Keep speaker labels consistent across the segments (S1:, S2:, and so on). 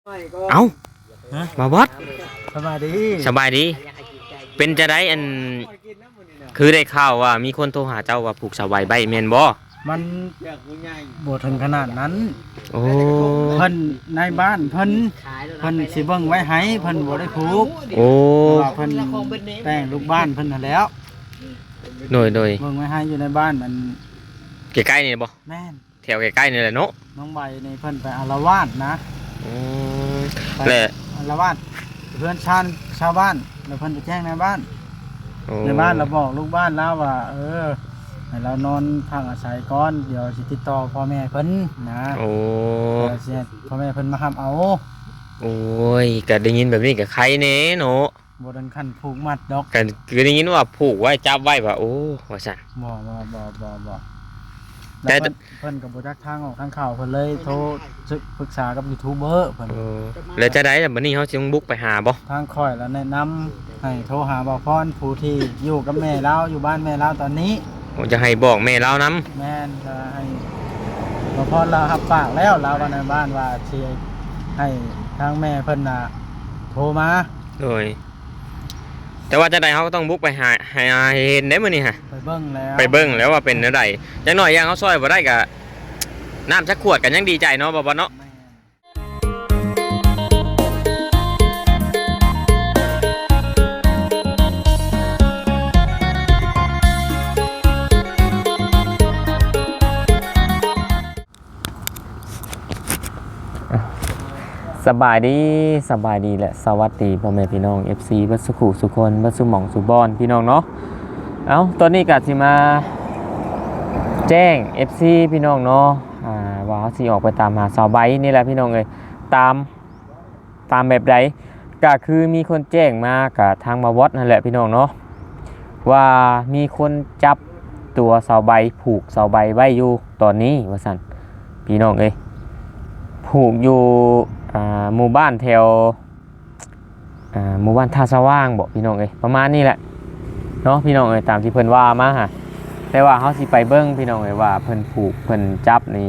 S1: เอ้ามาวัด
S2: สบายดี
S1: สบายดีเป็นจะได้อันคือได้ข่าวว่ามีคนโทรหาเจ้าว่าผูกสบายใบแม่นบ่
S2: มันบ่ถึงขนาดนั้น
S1: โอ้
S2: เพิ่นในบ้านเพิ่นสิเบิ่งไว้ให้เพิ่นบ่ได้ผูก
S1: โอ้
S2: เพิ่นแต่งลูกบ้านเพิ่นนั่นแล้ว
S1: โดย
S2: เบิ่งไว้ให้อยู่ในบ้านมัน
S1: ใกล้ๆนี่บ่
S2: แม่น
S1: แถวใกล้ๆนี่แหละเนาะ
S2: น้องใบนี่เพิ่นไปอาละวาดนะ
S1: และ
S2: อาละวาดเพื่อนชาวบ้านแล้วเพิ่นไปแจ้งในบ้านเราบอกลูกบ้านแล้วว่าให้เรานอนพักอาศัยก่อนเดี๋ยวสิติดต่อพ่อแม่เพิ่นนะ
S1: โอ้
S2: สิพ่อแม่เพิ่นมารับเอา
S1: โอ้ยก็ได้ยินแบบนี้ก็ใครแน่เนาะ
S2: บ่ถึงขั้นผูกมัดดอก
S1: ก็คือได้ยินว่าผูกไว้จับไว้ว่าโอ้ว่าซั่น
S2: บ่แต่เพิ่นก็บ่จักทางออกทางเข้าเพิ่นเลยโทรปรึกษากับยูทูบเบอร์เพิ่น
S1: แล้วจะได้แบบบัดนี้เฮาสิบุกไปหาบ่
S2: ทางค่อยแล้วแนะนำให้โทรหาบ่าวพรผู้ที่อยู่กับแม่เราอยู่บ้านแม่เราตอนนี้
S1: ผมจะให้บอกแม่เราน
S2: ำแม่นจะให้บ่าวพรเรารับปากแล้วเราในบ้านว่าสิให้ทางแม่เพิ่นน่ะโทรมา
S1: โดยแต่ว่าจะได้เขาก็ต้องบุกไปหาเห็นได้มื้อนี้ฮะ
S2: ไปเบิ่ง
S1: แล้วว่าเป็นอะไรจังหน่อยยังเขาซอยบ่ได้ก็น้ำสักขวดกันยังดีใจเนาะบ่เนาะสบายดีและสวัสดีพ่อแม่พี่น้อง FC บัดสุขุสุคนบัดสุหม่องสุบอนพี่น้องเนาะตอนนี้ก็สิมาแจ้ง FC พี่น้องเนาะว่าสิออกไปตามหาสาวใบนี่แหละพี่น้องเอ้ยตามแบบใดก็คือมีคนแจ้งมากับทางมาวัดนั่นแหละพี่น้องเนาะว่ามีคนจับตัวสาวใบผูกสาวใบไว้อยู่ตอนนี้ว่าซั่นพี่น้องเอ้ยผูกอยู่หมู่บ้านแถวหมู่บ้านท่าสว่างบอกพี่น้องเอ้ยประมาณนี้แหละเนาะพี่น้องเอ้ยตามที่เพิ่นว่ามาฮะแต่ว่าเขาสิไปเบิ้งพี่น้องเอ้ยว่าเพิ่นผูกเพิ่นจับนี่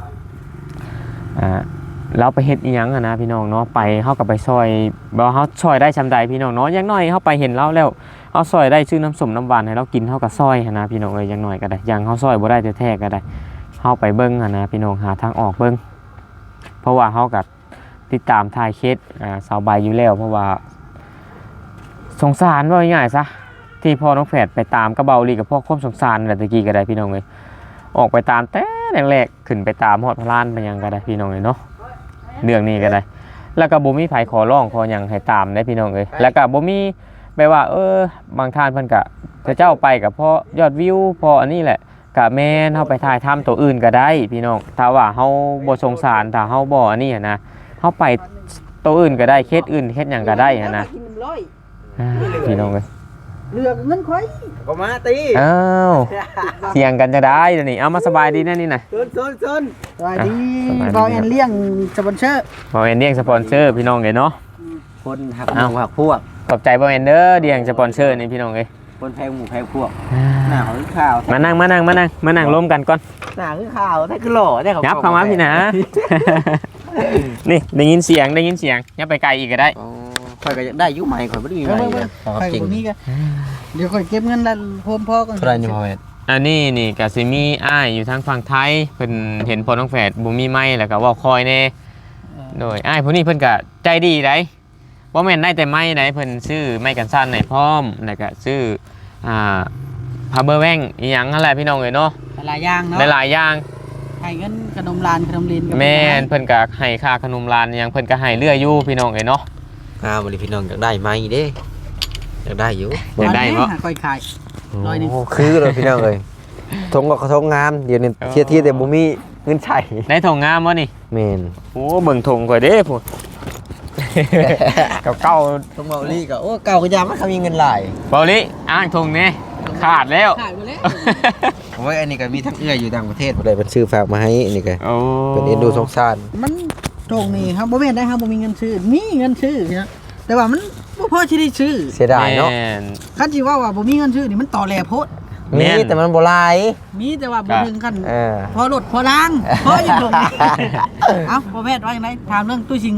S1: เราไปเฮ็ดอีหยังนะพี่น้องเนาะไปเขากับไปซอยบ่เขาซอยได้ชำใดพี่น้องเนาะอย่างน้อยเขาไปเห็นเราแล้วเขาซอยได้ซื้อน้ำส้มน้ำหวานให้เรากินเขากับซอยนะพี่น้องเอ้ยอย่างน้อยก็ได้อย่างเขาซอยบ่ได้แท้ๆก็ได้เขาไปเบิ้งนะพี่น้องหาทางออกเบิ้งเพราะว่าเขากับติดตามถ่ายเคสสาวใบอยู่แล้วเพราะว่าสงสารว่าง่ายๆซะที่พ่อน้องแฝดไปตามกระเบาลีกับพ่อความสงสารอะไรตะกี้ก็ได้พี่น้องเลยออกไปตามแต่แรกๆขึ้นไปตามฮอดพลานไปยังก็ได้พี่น้องเลยเนาะเรื่องนี้ก็ได้แล้วก็บ่มีไผขอร้องขอหยังให้ตามได้พี่น้องเลยแล้วก็บ่มีแปลว่าบางท่านเพิ่นก็เจ้าไปกับพ่อยอดวิวพออันนี้แหละกะแม่นเฮาไปถ่ายทำตัวอื่นก็ได้พี่น้องถ้าว่าเฮาบ่สงสารถ้าเฮาบ่อันนี้นะเข้าไปตัวอื่นก็ได้เคสอื่นเคสอย่างก็ได้นะพี่น้องเลย
S2: เลือกเงินค่อยก็มาตี
S1: เถียงกันจะได้เดี๋ยวนี้เอามาสบายดีแน่นี่นะ
S2: ซนสบายดีบอลแอนเลี้ยงสปอนเซอร์
S1: พี่น้องเลยเนาะ
S2: คนหักพวก
S1: ขอบใจบอลแอนเดอร์เลี้ยงสปอนเซอร์นี่พี่น้องเลย
S2: คนแพงหมูแพงพวกหน้าคือข่าว
S1: มานั่งล้มกันก่อน
S2: หน้าคือข่าวถ้าคือหล่อได้
S1: ยับเข้ามาพี่นะนี่ได้ยินเสียงยับไปไกลอีกก็ได้
S2: ค่อยก็ได้ยุใหม่ค่อยไม่ได้มีใหม่จริงนี่ก็เดี๋ยวค่อยเก็บเงินแล้วพ่อกัน
S3: เท่าไรนี่พ่อแม่
S1: อันนี้นี่กสิมีอ้ายอยู่ทางฝั่งไทยเพิ่นเห็นพ่อน้องแฝดบ่มีไม้แล้วก็เว้าคอยแน่โดยอ้ายผู้นี้เพิ่นก็ใจดีได้บ่แม่นได้แต่ไม้ได้เพิ่นซื้อไม้กันสั่นให้พร้อมแล้วก็ซื้อพาเบอร์แว่งอีหยังนั่นแหละพี่น้องเอ้ยเนาะ
S2: หลายอย่างเนาะ
S1: หลายอย่าง
S2: ให้เงินขนมลานขนมลิน
S1: แม่นเพิ่นก็ให้ค่าขนมลานหยังเพิ่นก็ให้เรื่อยอยู่พี่น้องเอ้ยเนาะ
S3: บ่ได้พี่น้องอยากได้ไม้เด้อยากได้อยู่
S1: อยากได้บ่
S2: ค่อยขาย100นี่
S3: คือเลยพี่น้องเอ้ยทงก็ทงงามเดี๋ยวนี้เที่ยแต่บ่มีเงินใช้
S1: ได้ทงงามบ่นี่
S3: แม่น
S1: โอ้เบิ่งทงข่อยเด้พุ่นเก่า
S3: ทงเบาลี่ก็โอ้เก่าก็ยามมันมีเงินหลาย
S1: เบาลี่อ้างทงนี่ขาดแล้ว
S3: ผมว่าอันนี้ก็มีทั้งเอื้ออยู่ต่างประเทศบ่ได้เพิ่นซื้อฝากมาให้อันนี้ก็เป็นเอ็นดูสงสาร
S2: มันตรงนี้ครับบ่แม่นได้ครับบ่มีเงินซื้อมีเงินซื้อนะแต่ว่ามันบ่พอสิได้ซื้อ
S3: เสียดายเนาะ
S2: คันสิว่าบ่มีเงินซื้อนี่มันต่อแหลโพด
S3: มีแต่มันบ่หลาย
S2: มีแต่ว่าบ่ถึงขั้นพอรถพอล้างพออยู่ตรงนี้เอ้าบ่แม่นว่าจังได๋ถามเรื่องตู้ชิงก่อนเนาะ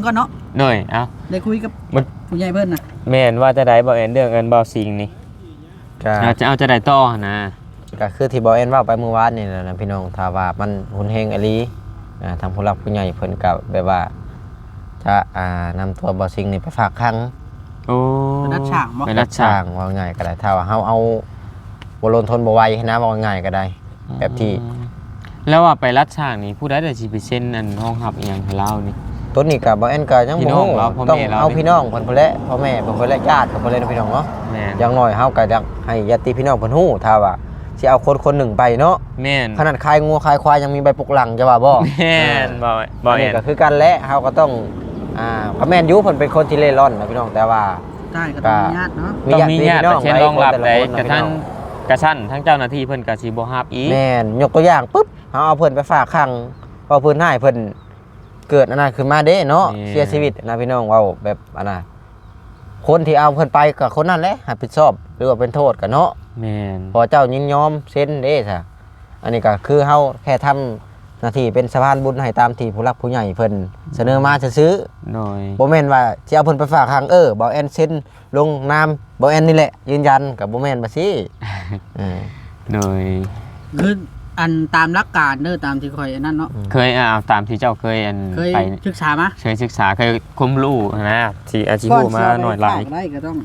S1: หน่อยเอ้า
S2: ได้คุยกับ
S1: มัน
S2: ผู้ใหญ่เพิ่นน่ะ
S1: แม่นว่าจะได้บ่เอ็นเรื่องเอิ้นบ่สิงนี่
S3: ก็
S1: จะเอาจะได้ต่อนะ
S3: ก็คือที่บ่เอ็นเว้าไปเมื่อวานนี่แหละนะพี่น้องถ้าว่ามันหุนเฮงอหลีทางผู้หลักผู้ใหญ่เพิ่นก็แบบว่าจะนำตัวบ่ซิงนี่ไปฝากคัง
S1: โอ้
S2: ไปรัดฉากบ่
S1: ไปรัดฉาก
S3: ว่าง่ายก็ได้ถ้าว่าเฮาเอาบ่ลนทนบ่ไหวนะว่าง่ายก็ได้ แบบที่
S1: แล้วว่าไปรัดฉากนี่ผู้ใดได้สิไปเซ็นอันห้องรับอีหยังให้เรานี่
S3: ต้นนี้ก็บ่เอ็นก็ยัง
S1: พี่
S3: บ่
S1: น้อง
S3: ฮู้
S1: เราพ่อ
S3: ต้อง
S1: แม่เรา
S3: เอาพี่น้องเพิ่นพุ่นแหละพ่อแม่เพิ่นพุ่นแหละญาติเพิ่นพุ่นแหละพี่น้องเนาะ
S1: แม่น
S3: อย่างน้อยเฮาก็อยากให้ญาติพี่น้องเพิ่นฮู้ถ้าว่าสิเอาคนคนหนึ่งไปเนาะ
S1: แม่น
S3: ขนาดคายงัวคายควายยังมีใบปกหลังจะว่าบ่
S1: แม่นบ่
S3: อัน
S1: เอ็
S3: นี้
S1: น
S3: ก็คือกันแหละเฮาก็ต้องก็แม่นอยู่เพิ่นเป็นคนที่เล่ร่อนนะพี่น้องแต่ว่า
S2: ใช่ก็ต้องมีญาติเนาะ
S1: ต้องมีญาติไปเช่นรองรับได้
S3: หลายคน
S1: กระทั่งกระชั้นทั้งเจ้าหน้าที่เพิ่นก็สิบ่รับอีก
S3: แม่นยกตัวอย่างปุ๊บเฮาเอาเพิ่นไปฝากขังพอเพิ่นให้เพิ่นเกิดอันนั้นขึ้นมาเด้เนาะเสียชีวิตนะพี่น้องเว้าแบบอันน่ะคนที่เอาเพิ่นไปก็คนนั้นแหละรับผิดชอบหรือว่าเป็นโทษก็เนาะ
S1: แม่น
S3: พอเจ้ายินยอมเซ็นเด้ซะอันนี้ก็คือเฮาแค่ทำหน้าที่เป็นสะพานบุญให้ตามที่ผู้หลักผู้ใหญ่เพิ่นเสนอมาซื้อ
S1: หน่อย
S3: บ่แม่นว่าสิเอาเพิ่นไปฝากขังบ่แอนเซ็นลงนามบ่แอนนี่แหละยืนยันก็บ่แม่นบ่สิ
S1: หน่อย
S2: คืออันตามหลักการเด้อตามที่ข่อยอันนั้นเนาะ
S1: เคยเอาตามที่เจ้าเคยอัน
S2: เคย
S1: ไป
S2: ศึกษามา
S1: เคยศึกษาเคยความรู้นะที่อาชีพมาหน่อยหลาย
S2: ฝกได้ก็ต้อง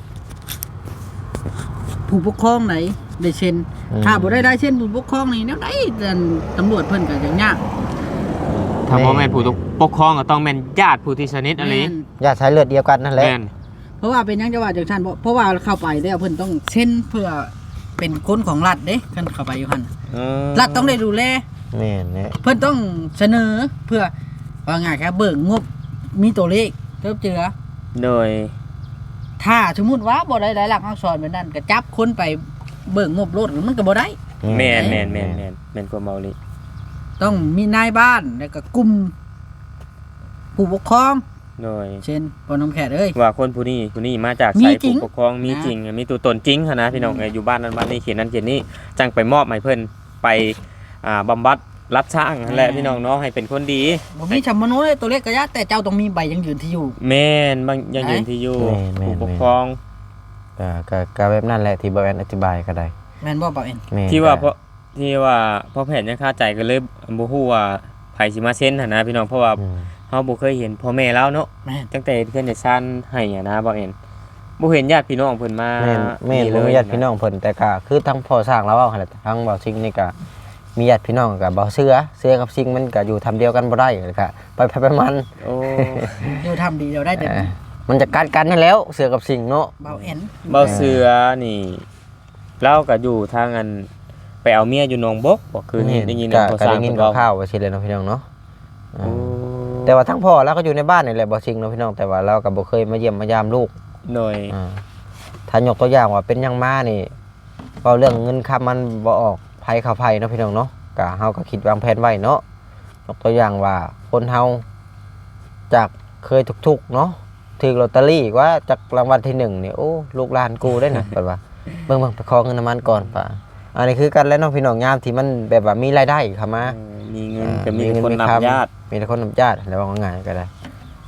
S2: ผู้ปกครองไหนได้เซ็นถ้าบ่ได้เซ็นผู้ปกครองนี่แนวใดตำรวจเพิ่นก็จังยาก
S1: ถ้าพ่อแม่นผู้ปกครองก็ต้องเป็นญาติผู้ที่สนิทอะไร
S2: แม่น
S3: ญาติสายเลือดเดียวกันนั่นแหละ
S1: แม่น
S2: เพราะว่าเป็นหยังจะว่าจังซั่นเพราะว่าเข้าไปแล้วเพิ่นต้องเซ็นเพื่อเป็นคนของรัฐเด้คันเข้าไปอยู่หั่นรัฐต้องได้ดูแล
S3: แม่นแหละ
S2: เพื่อนต้องเสนอเพื่อว่าง่ายครับเบิกงบมีตัวเลขเทิบเจือ
S1: โดย
S2: ถ้าสมมุติว่าบ่ได้หลายหลักอักษรแบบนั้นก็จับคนไปเบิกงบรถมันก็บ่ได้
S1: แม่นความเมาลี
S2: ต้องมีนายบ้านแล้วก็กลุ่มผู้ปกครอง
S1: โดย
S2: เช่นปอน้ำแขกเอ้ย
S1: ว่าคนผู้นี้มาจาก
S2: มี
S1: สาย
S2: จริง
S1: ผู้ปกครองมีจริงมีตัวตนจริงนะพี่น้องอยู่บ้านนั้นบ้านนี้เขียนนั้นเขียนนี้จังไปมอบให้เพิ่นไปบำบัดรับช่างนั่นแหละพี่น้องเนาะให้เป็นคนดี
S2: บ่มีชำมโนเลยตัวเลขก็ยะแต่เจ้าต้องมีใบยังยืนที่อยู่
S1: แม่นบางยังยืนที่อยู่ผู้ปกครอง
S3: ก็แบบนั้นแหละที่บ่แอนอธิบายก็ได้
S2: แม่นบ่เปล่าเอ็น
S3: แม่น
S1: ที่ว่าพ่อแผนยังคาใจก็เลยบ่ฮู้ว่าไผสิมาเซ็นหั่นนะพี่น้องเพราะว่าเฮาบ่เคยเห็นพ่อแม่แล้วเนาะ
S2: แม่น
S1: ตั้งแต่เพื่อนได้ซั่นให้นะบ่เห็นบ่เห็นญาติพี่น้องเพิ่นมา
S3: แม่นบ่มีญาติพี่น้องเพิ่นแต่ก็คือทั้งพ่อสร้างแล้วเว้าหั่นแหละทั้งบ่าวซิงนี่ก็มีญาติพี่น้องก็บ่เชื่อกับซิงมันก็อยู่ทำเดียวกันบ่ได้เลยค่ะไปมัน
S1: โอ้
S2: เดี๋ยวทำดีเดี๋ยวได้แต่
S3: มันจะกัดกันนั่นแล้วเสือกับซิงเนาะ
S2: เบาเอ็น
S1: เบาเสือนี่เราก็อยู่ทางอันไปเอาเมียอยู่หนองบกบ่คือนี่ได้ยิน
S3: ก็
S1: เขาส
S3: ได้
S1: ร้าง
S3: ยิน
S1: เพิ่น
S3: ข่าวๆว่าสิเลยเนาะพี่น้องเนาะ
S1: โอ้
S3: แต่ว่าทั้งพ่อแล้วก็อยู่ในบ้านนี่แหละบ่ซิงเนาะพี่น้องแต่ว่าเราก็บ่เคยมาเยี่ยมมายามลูก
S1: หน่อย
S3: ถ้ายกตัวอย่างว่าเป็นยังมานี่เว้าเรื่องเงินคำมันบ่ออกภัยเข้าภัยเนาะพี่น้องเนาะก็เฮาก็คิดวางแผนไว้เนาะยกตัวอย่างว่าคนเฮาจากเคยทุกๆเนาะถือลอตเตอรี่ว่าจากรางวัลที่1นี่โอ้ลูกหลานกูได้นะเปิดว่าเบิ่งไปขอเงินน้ำมันก่อนป่ะอันนี้คือกันแล้วเนาะพี่น้องยามที่มันแบบว่ามีรายได้เข้ามา
S1: มีเงินก็มีคนนับญาติ
S3: มีแต่คนนับญาติแล้วว่าง่ายก็ได้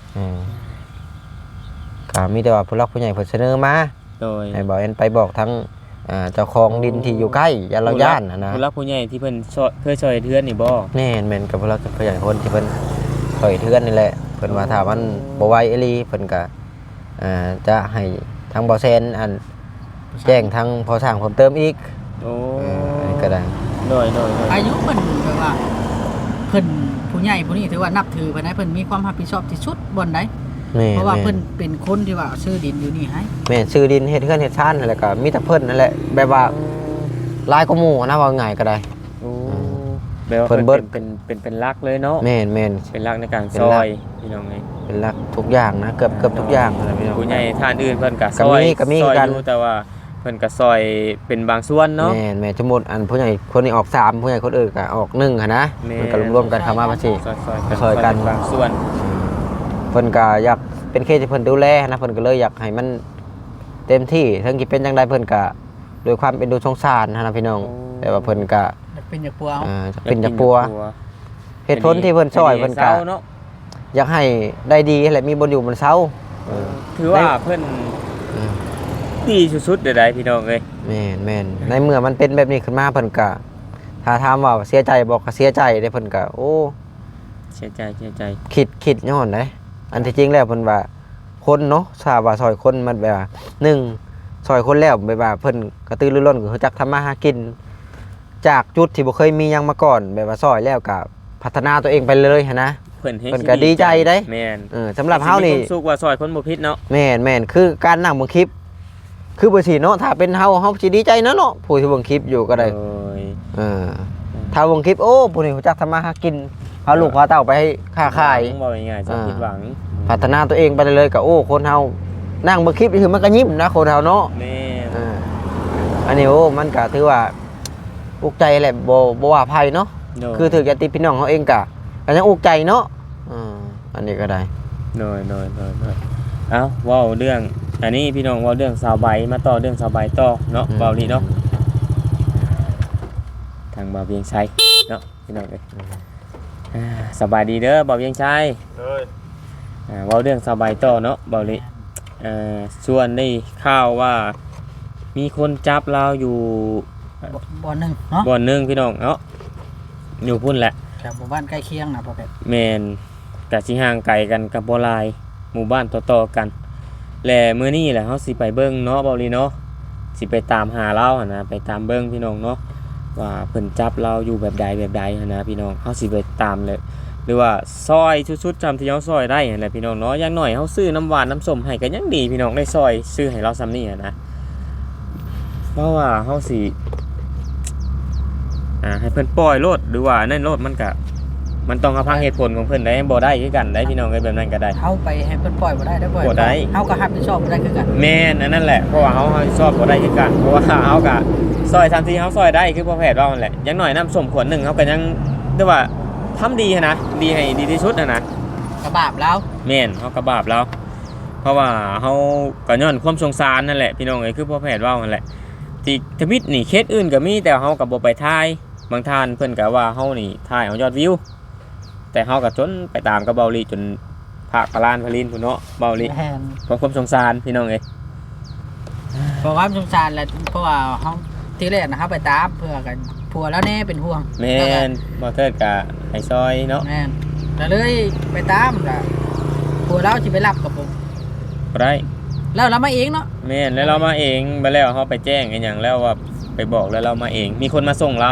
S3: ก็มีแต่ว่าผู้หลักผู้ใหญ่เพิ่นเสนอมา
S1: โดย
S3: ให้บอกเอ็นไปบอกทั้งเจ้าของดินที่อยู่ใกล้ยานเราย่านนะ
S1: ผู้รักผู้ใหญ่ที่เพิ่นเคยช่วยเทือนนี่บ่
S3: แม่นกับผู้หลักผู้ใหญ่คนที่เพิ่นถอยเทือนนี่แหละเพิ่นว่าถ้ามันบ่ไหวอีหลีเพิ่นก็จะให้ทางบ่แซนอันแจ้งทางพอสร้างเพิ่มเติมอีก
S1: โอ้
S3: อันนี้ก็ได้
S1: โดย
S2: อายุเพิ่นแบบว่าเพิ่นผู้ใหญ่ผู้นี้ถือว่านับถือเพิ่นให้เพิ่นมีความรับผิดชอบที่สุดบ่อนใด
S3: แม่
S2: เพราะว่าเพิ่นเป็นคนที่ว่าซื้อดินอยู่นี่ให้
S3: แม่นซื้อดินเฮ็ดเฮือนเฮ็ดชานนั่นแหละก็มีแต่เพิ่นนั่นแหละแบบว่าหลายกว่าหมู่นะว่าง่ายก็ได้
S1: โอ้แปลว่า
S3: เพิ่
S1: เพิ่
S3: น
S1: น
S3: เบิด
S1: เป็นรักเลยเนาะ
S3: แม่น
S1: เป็นรักในการ
S3: เป็น
S1: ซ
S3: รั
S1: อก ยพี่น้องไง
S3: เป็นหลักทุกอย่างนะเกือบทุกอย่างนะพี่น้อง
S1: ผู้ใหญ่ท่านอื่นเพิ่นก็ซ
S3: ก็
S1: อย
S3: มีก็มี
S1: ซอย
S3: กัน
S1: อยู่แต่ว่าเพิ่นก็ซอยเป็นบางส่วนเนาะ
S3: แม่สมมุติอันผู้ใหญ่คนนี้ออก3ผู้ใหญ่คนอื่นก็ออก1หั่นนะ
S1: แม่
S3: มันก็รวมๆกันเข้ามาภาษี ซอยกัน
S1: บางส่วน
S3: เพิ่นก็อยากเป็นเคสที่เพิ่นดูแลนะเพิ่นก็เลยอยากให้มันเต็มที่ทั้งที่เป็นจังไดเพิ่นก็ด้วยความเป็นดูสงสารนะพี่น้องแต่ว่าเพิ่นก็
S2: เป็นอย่างปัวเอา
S3: จะเป็นจากปัวเหตุผลที่เพิ่นซอยเพิ่นก็
S1: เนาะ
S3: อยากให้ได้ดีแหละมีบนอยู่บนเสา
S1: ถือว่าเพิ่นดีสุดๆเด้อได้พี่น้องเอ้ย
S3: แม่นในเมื่อมันเป็นแบบนี้ขึ้นมาเพิ่นก็ถ้าถามว่าเสียใจบอกก็เสียใจได้เพิ่นก็โอ้
S1: เสียใจ
S3: คิดย้อนได้อันที่จริงแล้วเพิ่นว่าคนเนาะทราบว่าซอยคนมันแบบว่า1ซอยคนแล้วแบบว่าเพิ่นกระตือรือร้นก็รู้จักทำมาหากินจากจุดที่บ่เคยมีหยังมาก่อนแบบว่าซอยแล้วก็พัฒนาตัวเองไปเลยหั่นนะเพิ่นก็ดีใจได้
S1: แม่น
S3: สำหรับเฮานี่
S1: สุขว่าซอยคนบ่ผิดเนาะ
S3: แม่นคือการนั่งเบิ่งคลิปคือบ่สิเนาะถ้าเป็นเฮาสิดีใจเนาะผู้ที่เบิ่งคลิปอยู่ก็ได้ถ้าเบิ่งคลิปโอ้ผู้นี้รู้จักทำมาหากินพาลูกพาเต้าไปค้าขาย
S1: บ่ง่ายๆจะผิดหวัง
S3: พัฒนาตัวเองไปเลยก็โอ้คนเฮานั่งเบิ่งคลิปนี่คือมันก็ยิ้มนะคนเฮาเนาะ
S1: แม่
S3: อันนี้โอ้มันก็ถือว่าอุกใจแหละบ่ว่าภัยเนาะคือถือญาติพี่น้องเฮาเองก็ยังอุกใจเนาะอันนี้ก็ได้
S1: น้อยเอ้าเว้าเรื่องอันนี้พี่น้องเว้าเรื่องสาวใบมาต่อเรื่องสาวใบต่อเนาะเว้านี่เนาะทางบ่าวเวียงชัยเนาะพี่น้องเอ้ยสบายดีเด้อบ่าวเวียงชัยเว้าเรื่องสาวใบต่อเนาะบ่าวลิส่วนได้ข่าวว่ามีคนจับเราอยู่
S2: บ่อนหนึ่งเนาะ
S1: บ่อนหนึ่งพี่น้องเนาะอยู่พุ่นแหละ
S2: แถวหมู่บ้านใกล้เคียงนะพ่อเพชร
S1: แมนกะสิห่างไกลกันกับบ่หลายหมู่บ้านต่อๆกันและมื้อนี้แหละเฮาสิไปเบิ่งเนาะเบาลีเนาะสิไปตามหาเราหั่นนะไปตามเบิ่งพี่น้องเนาะว่าเพิ่นจับเราอยู่แบบใดหั่นนะพี่น้องเฮาสิไปตามเลยหรือว่าซอยชุดๆจำที่เฮาซอยได้หั่นแหละพี่น้องเนาะอย่างน้อยเฮาซื้อน้ำหวานน้ำส้มให้ก็ยังดีพี่น้องได้ซอยซื้อให้เราซ้ำนี่หั่นนะเพราะว่าเฮาสิให้เพิ่นปล่อยโลดหรือว่านั่นโลดมันต้องฟังเหตุผลของเพิ่นได้บ่ได้คือกันได้พี่น้องแบบนั้นก็ได้
S2: เฮาไปให้เพิ่นปล่อยบ่ได้
S1: บ่ได้
S2: เฮาก็รับผิดชอบบ่ได้คือกัน
S1: แม่นอันนั้นแหละเพราะว่าเฮาชอบบ่ได้คือกันเพราะว่าเฮาก็ซอยทันทีเฮาซอยได้คือพ่อแพทย์ว่านั่นแหละอย่างน้อยน้ำส้มขวดนึงเฮาก็ยังเรียกว่าทำดีนะดีให้ดีที่สุดนะ
S2: กระบาบแล้ว
S1: แม่นเฮากระบาบแล้วเพราะว่าเฮาก็ย้อนความสงสารนั่นแหละพี่น้องเอ้ยคือพ่อแพทย์ว่านั่นแหละที่ทวิตนี่เคสอื่นก็มีแต่เฮาก็บ่ไปถ่ายบางท่านเพิ่นก็ว่าเฮานี่ถ่ายเอายอดวิวแต่เฮาก็จนไปตามกับเบาลีจนภาคปลานพลินพุ่นเนาะเบาลีเพราะความสงสารพี่น้องเอ้ย
S2: เพราะความสงสารแหละเพราะว่าเฮาทีแรกนะครับไปตามเพื่อกันผัวแล้วแน่เป็นห่วง
S1: แม่นบ่เทิดก็ให้ซอยเนาะ
S2: แม่นแล้วเลยไปตามก็ผัวเราสิไปรับกับผม
S1: บ่ได้
S2: แล้วเรามาเองเนาะ
S1: แม่นแล้วเรามาเองไปแล้วเฮาไปแจ้งอีหยังแล้วว่าไปบอกแล้วเรามาเองมีคนมาส่งเรา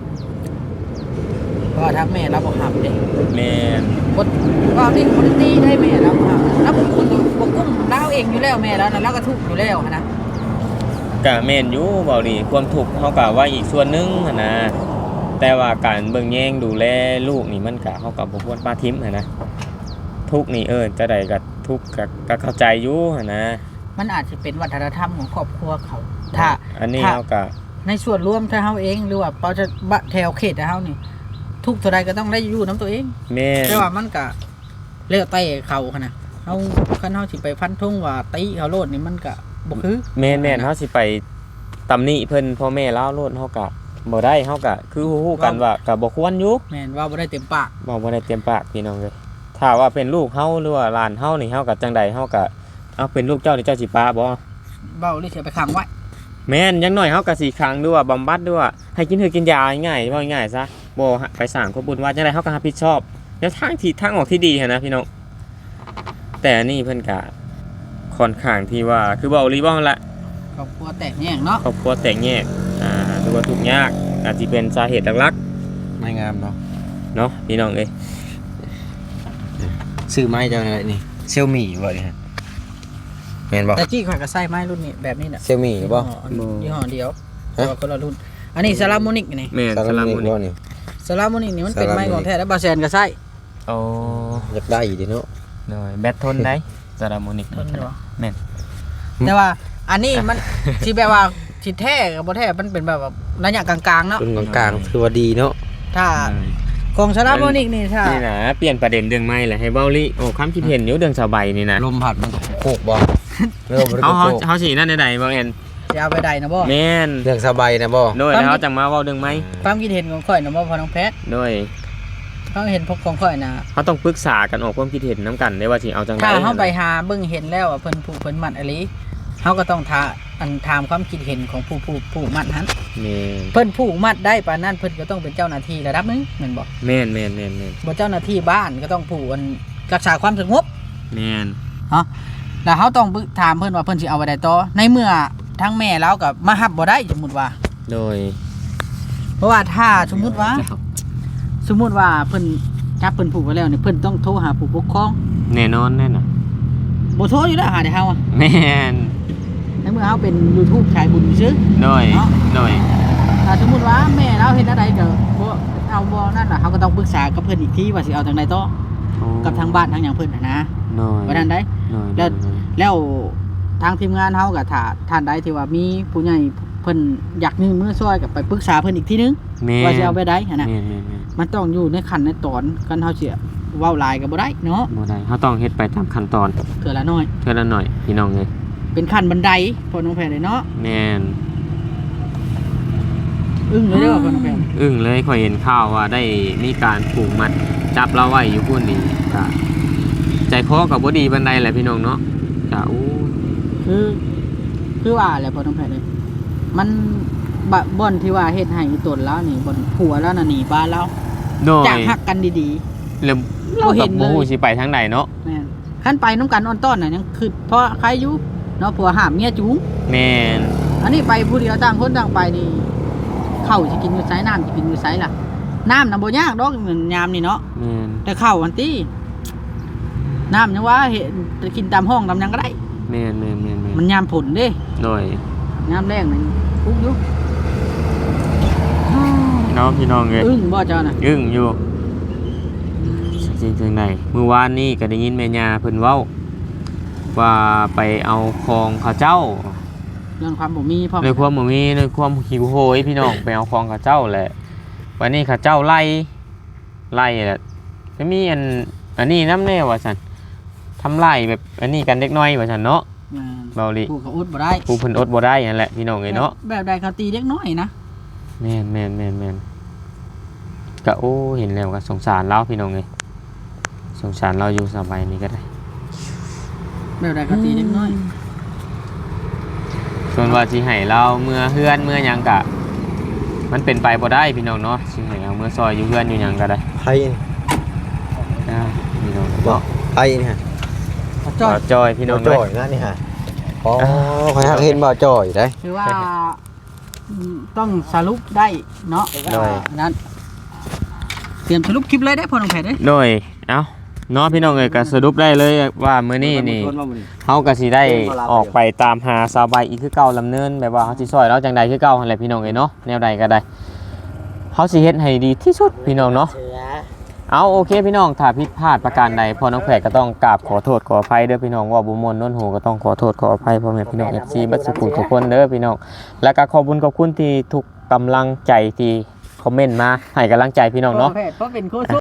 S2: ก็ทักแม่เราบ่หับเด้
S1: แม่น
S2: บ่ว่านี่คนตีได้แม่เราบ่หับแล้วคนบ่กุ้มเราเองอยู่แล้วแม่แล้วเราก็ทุกข์อยู่แล้วนะ
S1: ก็แม่นอยู่เบาดีความทุกข์เฮาก็ว่าอีกส่วนนึงหั่นนะแต่ว่าการเบิ่งแยงดูแลลูกนี่มันก็เฮาก็บ่ควรปาทิ่มหั่นนะทุกข์นี่จะได้ก็ทุกข์ก็เข้าใจอยู่หั่นนะ
S2: มันอาจจะเป็นวัฒนธรรมของครอบครัวเขาถ้า
S1: อันนี้เฮาก็
S2: ในส่วนรวมถ้าเฮาเองหรือว่าพอจะแถวเขตเฮานี่ทุกเท่าใดก็ต้องได้อยู่น้ำตัวเอง
S1: แม่
S2: แต่ว่ามันก็เลี้ยวไต้เขาขนาดเฮาคันเฮาสิไปฟันธงว่าตีเขาโลดนี่มันก็บ่คือ
S1: แม่นเฮาสิไปตำหนิเพิ่นพ่อแม่ลาวโลดเฮาก็บ่ได้เฮาก็คือฮู้ๆกันว่าก็บ่ควรอยู่
S2: แม่นว่าบ่ได้เต็มปาก
S1: บ่ได้เต็มปากพี่น้องเอ้ยถ้าว่าเป็นลูกเฮาหรือว่าหลานเฮานี่เฮาก็จังใดเฮาก็เอาเป็นลูกเจ้านี่เจ้าสิปาบ่
S2: เว้าหรือสิไปขังไว้
S1: แม่นอย่างน้อยเฮาก็สิขังด้วยว่าบำบัดด้วยว่าให้กินกินยาง่ายๆว่าง่ายซะบ่ไปสร้างความบุญว่าจังได๋เฮาก็รับผิดชอบแล้วทางออกที่ดีหั่นนะพี่น้องแต่นี่เพิ่นก็ค่อนข้างที่ว่าคือเว้าลีบ่นั่นแหละ
S2: ครอบครัวแตกแยกเนาะ
S1: ครอบครัวแตกแยกหรือว่าทุกข์ยากอาจสิเป็นสาเหตุหลัก
S3: ๆไม่งามเ
S1: นาะพี่น้องเอ้ย
S3: ซื้อไม้จังได๋นี่ Xiaomi บ่นี่ฮะแม่นบ่
S2: แต่จี้ข่อยก็ใช้ไม้รุ่นนี้แบบนี้น่ะ
S3: Xiaomi บ่
S2: ยี่ห้อเดียวแต่ว่าคนละรุ่นอันนี้ซาลาโมนิกนี่
S1: แม่ซาลาโมนิก
S3: นี่
S2: ซาลาโมนิกนี่มันเป็นไม้ของแท้แล้วบาแซนก็ใช้
S1: อ๋อ
S3: อยากได้อีกดิเนาะ
S1: น้อยแบตทนได้ซาลาโมนิก
S2: ทนบ่
S1: แม่น
S2: แต่ว่าอันนี้มันที่แบบว่าที่แท้กับบ่แท้มันเป็นแบบระยะกลางๆเนาะ
S3: กลางๆคือว่าดีเนาะ
S2: ถ้าของซาลาโมนิกนี่ถ้า
S1: นี่นะเปลี่ยนประเด็นเรื่องไม้แหละให้เว้าลิโอ้ความคิดเห็นอยู่เรื่องสบายนี่นะ
S3: ลมพัดมันโคกบ่
S1: เฮาสินั่นได้บ่แม่น
S2: จะเอาไปใดนะบ่
S1: แม่น
S3: เรื่องสบายนะบ่
S1: โดยแล้วจังมาเว้าเรื่องไม้
S2: ความคิดเห็นของข่อยนะบ่พอน้องแพทย์
S1: โดย
S4: เขาเห็นพวกของข่อยนะ
S1: เขาต้องปรึกษากันออกความคิดเห็นนํกันได้ว่าสิเอาจังได๋
S4: ถ้าเขาไปหาเบิ่งเห็นแล้วว่าเพิ่นผู้เพิ่นมัดอะไรเขาก็ต้องถามความคิดเห็นของผู้มัดนั้น
S1: แม่น
S4: เพิ่นผู้มัดได้ปานนั้นเพิ่นก็ต้องเป็นเจ้าหน้าที่ระดับหนึงแม่นบ่
S1: แม่น
S4: บ่เจ้าหน้าที่บ้านก็ต้องผู้รักษาความสงบ
S1: แม่น
S4: แล้วเขาต้องถามเพิ่นว่าเพิ่นสิเอาไว้ได้ต่อในเมื่อทั้งแม่เราก็มารับบ่ได้สมมุติว่า
S1: โดย
S4: เพราะว่าถ้าสมมุติว่าเพิ่นจับเพิ่นผูกไว้แล้วนี่เพิ่นต้องโทรหาผู้ปกครอง
S1: แน่นอนแน่น่ะ
S4: บ่โทรอยู่แล้วหาได้เฮาอะ
S1: แม่น
S4: ในเมื่อเฮาเป็น YouTube ชายบุญซื่อ
S1: โดยโดย
S4: ถ้าสมมุติว่าแม่เราเฮ็ดอะไรก็บ่เอาบ่นั่นน่ะเฮาก็ต้องปรึกษากับเพิ่นอีกทีว่าสิเอาจังไดต่อกับทางบ้านทางหยังเพิ่นน่ะนะ
S1: โดย
S4: ว่านั้นได้
S1: โดย
S4: แล้วทางทีมงานเฮาก็ถ้าท่านใดที่ว่ามีผู้ใหญ่เพิ่นอยากยื่นมือช่วยก็ไปปรึกษาเพิ่นอีกทีนึง
S1: แม่
S4: ว่าสิเอาไปได้หั่นน่ะ
S1: แม่น
S4: มันต้องอยู่ในขั้นในตอนกันเฮาสิเว้าหลายก็บ่ได้เนาะ
S1: บ่ได้เขาต้องเฮ็ดไปตามขั้นตอน
S4: เทื่อละน้อย
S1: เท่านั้นหน่อยพี่น้องเอ้ย
S4: เป็นขั้นบันไดพอน้องแพรเลยเนาะ
S1: แม่น
S4: อึ้งเลยเด้อพอน้องแพร
S1: อึ้งเลยข่อยเห็นข่าวว่าได้มีการผูกมัดจับเราไว้อยู่พุ่นนี่ก็ใจคอก็บ่ดีปานใดแหละพี่น้องเนาะก็อู้
S4: คือว่าแหละพอน้องแพรเลยมันบ่อนที่ว่าเฮ็ดให้อีตนแล้วนี่บ่อนผัวแล้วน่ะหนีบ้านแล้ว
S1: โดย
S4: จากฮักกันดี
S1: แล้วเรา
S4: บ่เห็
S1: ก็
S4: นเลย
S1: บ่ฮู้สิไปทางใดเนาะ
S4: ๆแม่นคันไปน้ำกันออนต้อนน่ะยังคือเพราะใครอยู่เนาะผัวห้ามเมียจูง
S1: แม่น
S4: อันนี้ไปผู้เดียวต่างคนต่างไปนี่ข้าวสิกินอยู่ไสน้ำสิกินอยู่ไสล่ะน้ำน่ะบ่ยากดอกเหมือนยามนี่เนาะ
S1: แม่น
S4: แต่ข้าวอันติน้ำยังว่าเห็นจะกินตามห้องตามหยังก็ได้
S1: แม่น
S4: มันยามผลเด้
S1: โดย
S4: ยามแรงนี่ปุ๊กอยู่
S1: เนาะพี่น้องเอ้ย
S4: อึ้งบ่เจ้าน่ะ
S1: อึ้งอยู่จริงจังไดมื้อวานนี้ก็ได้ยินแม่ย่าเพิ่นเว้าว่าไปเอาของเขาเจ้า
S4: เรื่องความบ่มีพร้อม
S1: ในความบ่มีในความหิวโหยพี่น้องไปเอาของเขาเจ้าแหละวันนี้เขาเจ้าไล่แหละจะมีอันนี้นำแน่ว่าซั่นทำลายแบบอันนี้กันเล็กน้อยว่าซั่นเนาะเบาลิ
S4: ผู้เขาอดบ่ได้
S1: ผู้เพิ่นอดบ่ได้นั่นแหละพี่น้องเอ้ยเนาะ
S4: แบบใดเขาตีเด็กน้อยนะ
S1: แม่นก็โอ้เห็นแล้วก็สงสารเราพี่น้องเอ้ยสงสารเราอยู่สบายนี้ก็ได้
S4: แบบใดเขาตีเด็กน้อย
S1: ส่วนว่าสิให้เราเมื่อเฮือนเมื่อหยังก็มันเป็นไปบ่ได้พี่น้องเนาะสิให้เอาเมื่อซอยอยู่เฮือนอยู่หยังก็ได้
S3: ไผนี่
S1: พี่น้อง
S3: บ่
S1: เนาะ
S3: ไผนี่ฮะ
S4: เขาจ้อย
S1: จอยพี่น้อง
S3: จ่
S1: เอ้
S3: อย ยนะนี่ฮะอ๋อข่อยฮักเห็นบ่จ่อยได้
S4: คือว่าต้องสรุปได้เนาะว่านั้นเตรียมสรุปคลิปเลยได้พอน้องแพรเด้
S1: โดยเอ้าเนาะพี่น้องเอ้ยก็สรุปได้เลยว่ามื้อนี้นี่เฮาก็สิได้ออกไปตามหาสาวใบอีกคือเก่าลำเนินแบบว่าเฮาสิซอยเราจังใดคือเก่าหั่นแหละพี่น้องเอ้ยเนาะแนวใดก็ได้เฮาสิเฮ็ดให้ดีที่สุดพี่น้องเนาะเอาโอเคพี่น้องถ้าผิดพลาดประการใดพอน้องแพรก็ต้องกราบขอโทษขออภัยเด้อพี่น้องว่าบ่ม่วนโน้นหูก็ต้องขอโทษขออภัยพ่อแม่พี่น้อง FC บัดสุขุทุกคนเด้อพี่น้องแล้วก็ขอบคุณที่ทุกกำลังใจที่คอมเมนต์มาให้กำลังใจพี่น้องเนาะ
S4: พอแพทย์เพราะเป็นโค้ช